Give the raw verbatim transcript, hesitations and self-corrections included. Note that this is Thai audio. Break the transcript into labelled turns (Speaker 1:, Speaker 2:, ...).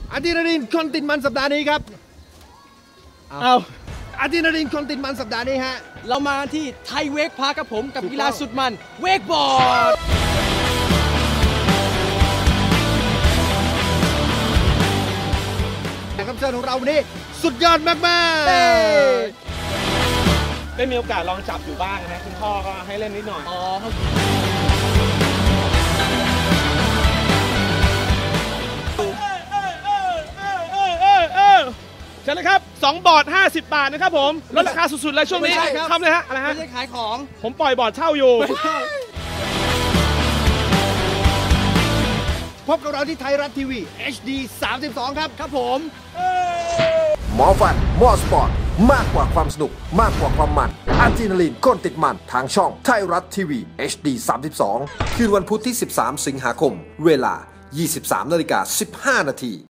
Speaker 1: อะดรีนาลีนคนติดมันสัปดาห์นี้ครับเอาอะดรีนาลีนคนติดมันสัปดาห์นี้ฮะ
Speaker 2: เรามาที่ไทยเวกพาร์คกับผมกับกีฬาสุดมันเวกบอร์ด
Speaker 1: แขกรับเชิญของเราวันนี้สุดยอดมากๆ
Speaker 3: ได้มีโอกาสลองจับอยู่บ้างนะคุณพ่อก็ให้เล่นนิดหน่อยอ๋อเชิญเลยครับสองบอร์ดห้าสิบบาทนะครับผมลดราคาสุดๆเลยช่วงนี้ทำเลยฮะอะไรฮะ
Speaker 2: ไม่ใช่ขายของ
Speaker 3: ผมปล่อยบอร์ดเช่าอยู่
Speaker 1: พบกับเราที่ไทยรัฐทีวี เอช ดี สามสิบสอง ครับครับผม
Speaker 4: หมอฟันมอสปอร์ตมากกว่าความสนุกมากกว่าความมันอะดรีนาลีนก้นติดมันทางช่องไทยรัฐทีวี เอช ดี สามสิบสองคืนวันพุธที่สิบสามสิงหาคมเวลา ยี่สิบสามนาฬิกาสิบห้านาที